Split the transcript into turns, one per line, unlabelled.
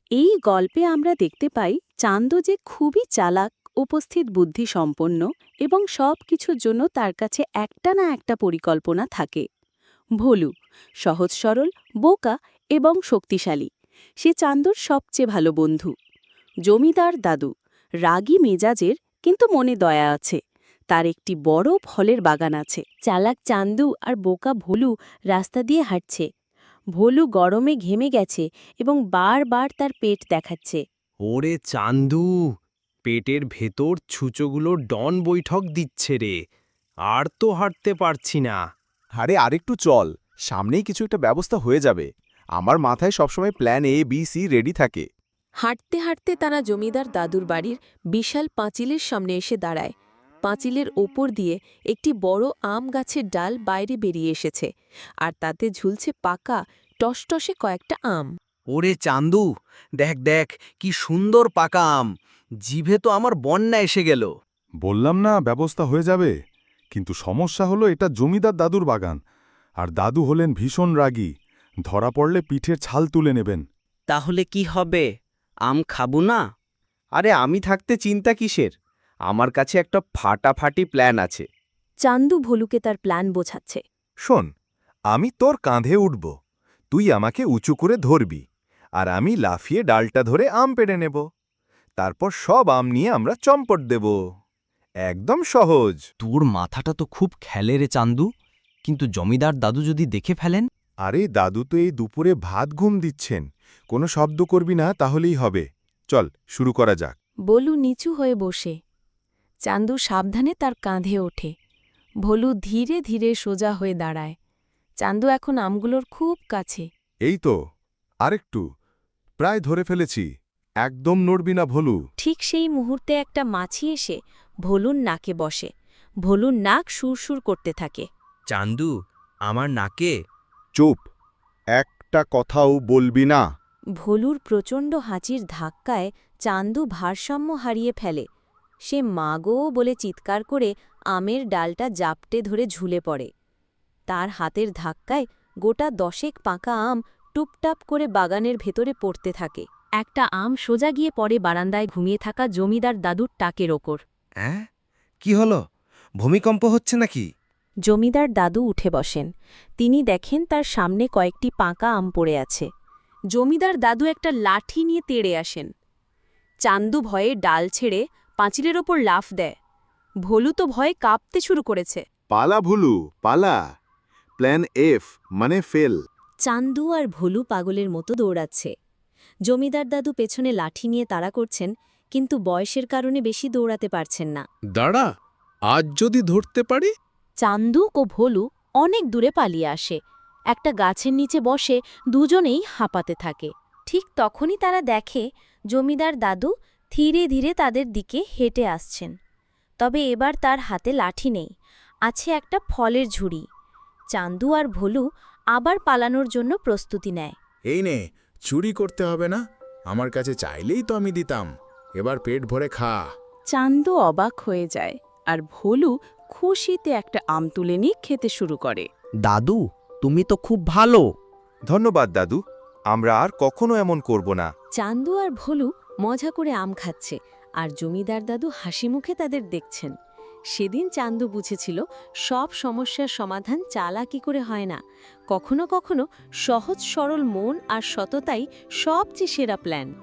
এই গল্পে আমরা দেখতে পাই চান্দু যে খুবই চালাক, উপস্থিত বুদ্ধি সম্পন্ন এবং সব কিছুর জন্য তার কাছে একটা না একটা পরিকল্পনা থাকে। ভোলু সহজ সরল, বোকা এবং শক্তিশালী। সে চান্দুর সবচেয়ে ভালো বন্ধু। জমিদার দাদু রাগী মেজাজের, কিন্তু মনে দয়া আছে। তার একটি বড় ফলের বাগান আছে।
চালাক চান্দু আর বোকা ভোলু রাস্তা দিয়ে হাঁটছে। ভোলু গরমে ঘেমে গেছে এবং বারবার তার পেট দেখাচ্ছে।
ওরে চান্দু, পেটের ভেতর ছুঁচোগুলো ডন বৈঠক দিচ্ছে রে। আর তো হাঁটতে পারছি না।
আরে আরেকটু চল, সামনেই কিছু একটা ব্যবস্থা হয়ে যাবে। আমার মাথায় সবসময় plan A B C ready থাকে।
হাঁটতে হাঁটতে তারা জমিদার দাদুর বাড়ির বিশাল পাঁচিলের সামনে এসে দাঁড়ায়। পাঁচিলের ওপর দিয়ে একটি বড় আম গাছের ডাল বাইরে বেরিয়ে এসেছে, আর তাতে ঝুলছে পাকা টসটসে কয়েকটা আম।
ওরে চান্দু, দেখ দেখ কি সুন্দর পাকা আম। জিভে তো আমার বন্যা এসে গেল।
বললাম না ব্যবস্থা হয়ে যাবে, কিন্তু সমস্যা হলো এটা জমিদার দাদুর বাগান, আর দাদু হলেন ভীষণ রাগী। ধরা পড়লে পিঠের ছাল তুলে নেবেন।
তাহলে কি হবে? আম খাবো না?
আরে আমি থাকতে চিন্তা কিসের? আমার কাছে একটা ফাটাফাটি প্ল্যান আছে।
চান্দু ভোলুকে তার প্ল্যান বোঝাচ্ছে।
শোন, আমি তোর কাঁধে উঠব, তুই আমাকে উঁচু করে ধরবি, আর আমি লাফিয়ে ডালটা ধরে আম পেড়ে নেব। তারপর সব আম নিয়ে আমরা চম্পট দেব। একদম সহজ।
তোর মাথাটা তো খুব খেলে রে চান্দু, কিন্তু জমিদার দাদু যদি দেখে ফেলেন?
আরে দাদু তো এই দুপুরে ভাত ঘুম দিচ্ছেন, কোনো শব্দ করবি না, তাহলেই হবে। চল শুরু করা যাক।
ভোলু নিচু হয়ে বসে। চান্দু সাবধানে তার কাঁধে ওঠে। ভোলু ধীরে ধীরে সোজা হয়ে দাঁড়ায়। চান্দু এখন আমগুলোর খুব কাছে।
এই তো, আরেকটু, প্রায় ধরে ফেলেছি। একদম নড়বি না ভোলু।
ঠিক সেই মুহূর্তে একটা মাছি এসে ভোলুর নাকে বসে। ভোলুর নাক সুরসুর করতে থাকে।
চান্দু, আমার নাকে।
চুপ, একটা কথাও বলবি না।
ভোলুর প্রচণ্ড হাঁচির ধাক্কায় চান্দু ভারসাম্য হারিয়ে ফেলে। সে মাগো বলে চিৎকার করে আমের ডালটা জাপটে ধরে ঝুলে পড়ে। তার হাতের ধাক্কায় গোটা 10 পাকা আম টুপটাপ করে বাগানের ভেতরে পড়তে থাকে। একটা আম সোজা গিয়ে পড়ে বারান্দায় ঘুমিয়ে থাকা জমিদার দাদুর টাকের ওপর।
হ্যাঁ, কি হলো? ভূমিকম্প হচ্ছে নাকি?
জমিদার দাদু উঠে বসেন। তিনি দেখেন তার সামনে কয়েকটি পাকা আম পড়ে আছে। জমিদার দাদু একটা লাঠি নিয়ে তেড়ে আসেন। চান্দু ভয়ে ডাল ছেড়ে পাঁচিলের ওপর লাফ দেয়। ভোলু তো ভয়ে কাঁপতে শুরু করেছে।
পালা ভুলু, পালা। প্ল্যান এফ মানে ফেল।
চান্দু আর ভোলু পাগলের মতো দৌড়াচ্ছে। জমিদার দাদু পেছনে লাঠি নিয়ে তাড়া করছেন, কিন্তু বয়সের কারণে বেশি দৌড়াতে পারছেন না।
দাঁড়া, আজ যদি ধরতে পারি।
চান্দু ও ভোলু অনেক দূরে পালিয়ে আসে। একটা গাছের নিচে বসে দুজনেই হাঁপাতে থাকে। ঠিক তখনই তারা দেখে জমিদার দাদু ধীরে ধীরে তাদের দিকে হেঁটে আসছেন। তবে এবার তার হাতে লাঠি নেই, আছে একটা ফলের ঝুড়ি। চান্দু আর ভোলু আবার পালানোর জন্য প্রস্তুতি নেয়।
এই নে, চুরি করতে হবে না, আমার কাছে চাইলেই তো আমি দিতাম। এবার পেট ভরে খা।
চান্দু অবাক হয়ে যায়, আর ভোলু খুশিতে একটা আম তুলে নিয়ে খেতে শুরু করে।
দাদু, তুমি তো খুব ভালো।
ধন্যবাদ দাদু, আমরা আর কখনো এমন করব না।
চান্দু আর ভোলু মজা করে আম খাচ্ছে, আর জমিদার দাদু হাসি মুখে তাদের দেখছেন। সেদিন চান্দু বুঝেছিল সব সমস্যার সমাধান চালাকি করে হয় না, কখনো কখনো সহজ সরল মন আর সততাই সবচেয়ে সেরা প্ল্যান।